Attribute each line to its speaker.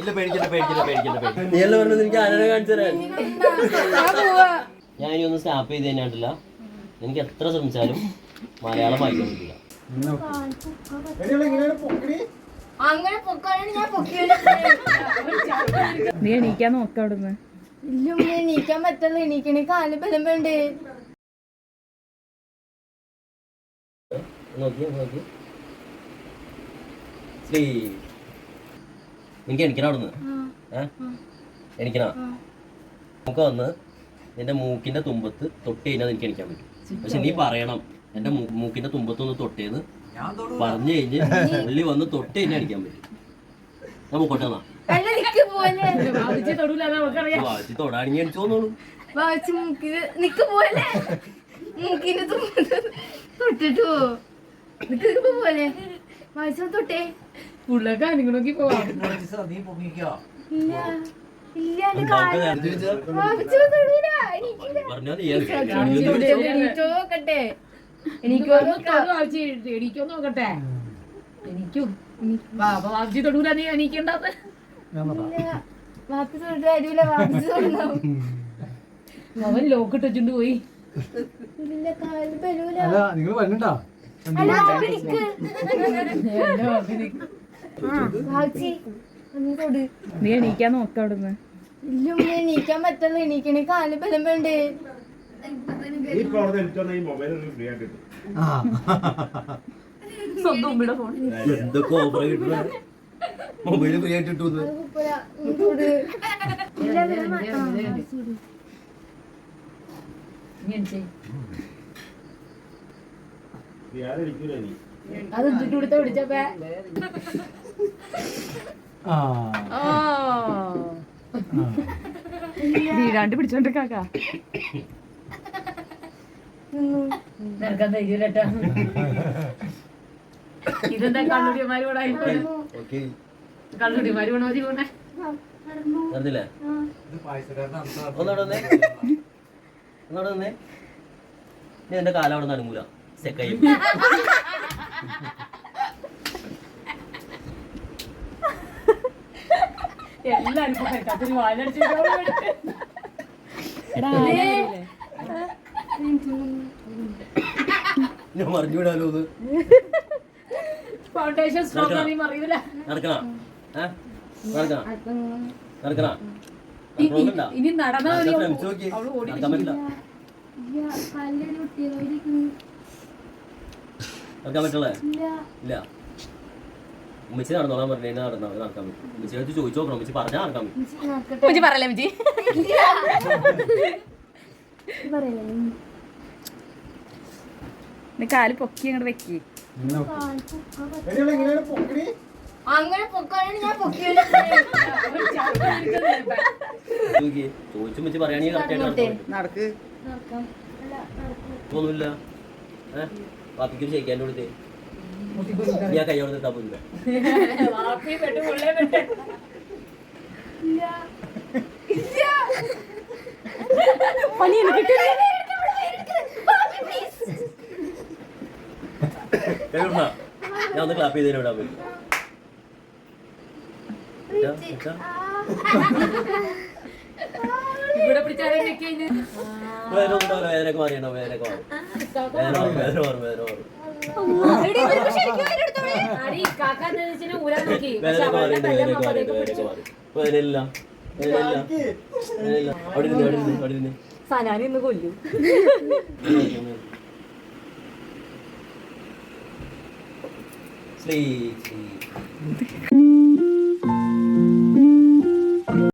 Speaker 1: നീ എല്ലാം പറഞ്ഞത് എനിക്ക് ആനനെ കാണിച്ചു തരാൻ. ഞാൻ ഇനി ഒന്ന് സ്റ്റാപ്പ് ചെയ്ത് തന്നെയാണ്ടില്ല. എനിക്ക് എത്ര ശ്രമിച്ചാലും മലയാളം വായിക്കാൻ പറ്റില്ല.
Speaker 2: നീ എണീക്കാൻ നോക്ക അവിടുന്ന്.
Speaker 3: ഇല്ല എണീക്കാൻ പറ്റല്ല, എണീക്കണേ കാല് ബലം വേണ്ടേ.
Speaker 1: എനിക്ക് എണിക്കണ അവിടുന്ന് എണിക്കണ നമുക്ക് വന്ന് നിന്റെ മൂക്കിന്റെ തുമ്പത്ത് തൊട്ട് കഴിഞ്ഞാൽ എനിക്ക് എണിക്കാൻ പറ്റും. പക്ഷെ നീ പറയണം എന്റെ മൂക്കിന്റെ തുമ്പത്തൊന്ന് തൊട്ടേന്ന് പറഞ്ഞു കഴിഞ്ഞ് ഉള്ളി വന്ന് തൊട്ട് കഴിഞ്ഞാൽ അടിക്കാൻ പറ്റും. നമുക്കൊട്ടെ തൊടാണെങ്കിൽ അടിച്ചോന്നോളൂ.
Speaker 3: തൊട്ടേ
Speaker 2: നോക്കി പോവാം. എണീക്കോ നോക്കട്ടെ. എനിക്കും വാപ്പി തൊടൂല. നീ എണീക്കണ്ടത് അവൻ ലോക്കിട്ട് വെച്ചിട്ട് പോയി.
Speaker 4: നിങ്ങൾ വരണ്ടാ
Speaker 2: നീ എണീക്കാൻ നോക്ക അവിടുന്ന്.
Speaker 3: ഇല്ല എണീക്കാൻ പറ്റല്ല, എണീക്കണേ കാല് ബലം വേണ്ടേ.
Speaker 2: സ്വന്തം ഉമ്മയുടെ ഫോൺ
Speaker 1: എന്തൊക്കെ ഓഫർ കിട്ടുന്ന മൊബൈല് ഫ്രീ ആയിട്ട് കിട്ടുന്നത്.
Speaker 2: അത് ഇട്ടിട്ട് കൊടുത്ത പിടിച്ചപ്പേ വീടാണ്ട് പിടിച്ചോണ്ട് കാക്ക ധൈര്യട്ടാ. ഇതെന്താ കള്ളുടിയന്മാര് കൂടെ കള്ളുടിയന്മാര് കൂടെ മതി പോണേ.
Speaker 1: നീ എന്റെ കാലം അവിടെ നടുങ്ങൂല. സെക്കയും
Speaker 2: എല്ലാരും
Speaker 1: ഞാൻ മറിഞ്ഞു വിടാലോ.
Speaker 2: ഫൗണ്ടേഷൻ അറിയൂല. ഇനി നടന്നാ
Speaker 1: നടക്കാൻ പറ്റുള്ളേ ഇല്ല. ഉമ്മച്ചി നടന്നോളാൻ പറഞ്ഞു കഴിഞ്ഞാൽ നടക്കാൻ പറ്റും. ഉമ്മച്ചി അടുത്ത് ചോദിച്ചു നോക്കണം. ഉമ്മച്ചി പറഞ്ഞാൽ നടക്കാൻ പറ്റും.
Speaker 2: പറയല്ലേ മിജി കാല് പൊക്കി അങ്ങോട്ട് വെക്കി.
Speaker 3: അങ്ങനെ പൊക്കാനാണ് ഞാൻ
Speaker 1: ചോദിച്ചു ഉമ്മച്ചി പറയുകയാണെങ്കിൽ കറക്റ്റായിട്ട് ഒന്നുമില്ല. പാപ്പിക്കൊരു ഷെയ്ക്കാൻ്റെ കൊടുത്തേ ഞാൻ കൈയോടെ നിട്ടാ പോയില്ല. ഞാൻ ഒന്ന് ക്ലാപ്പ് ചെയ്തതിന് വിടാൻ പറ്റും. വേദനയൊക്കെ മാറിയണോ? വേദനയൊക്കെ മാറും. വേദന മാറും.
Speaker 2: സനാനിന്ന് കൊല്ലു.
Speaker 1: ശ്രീ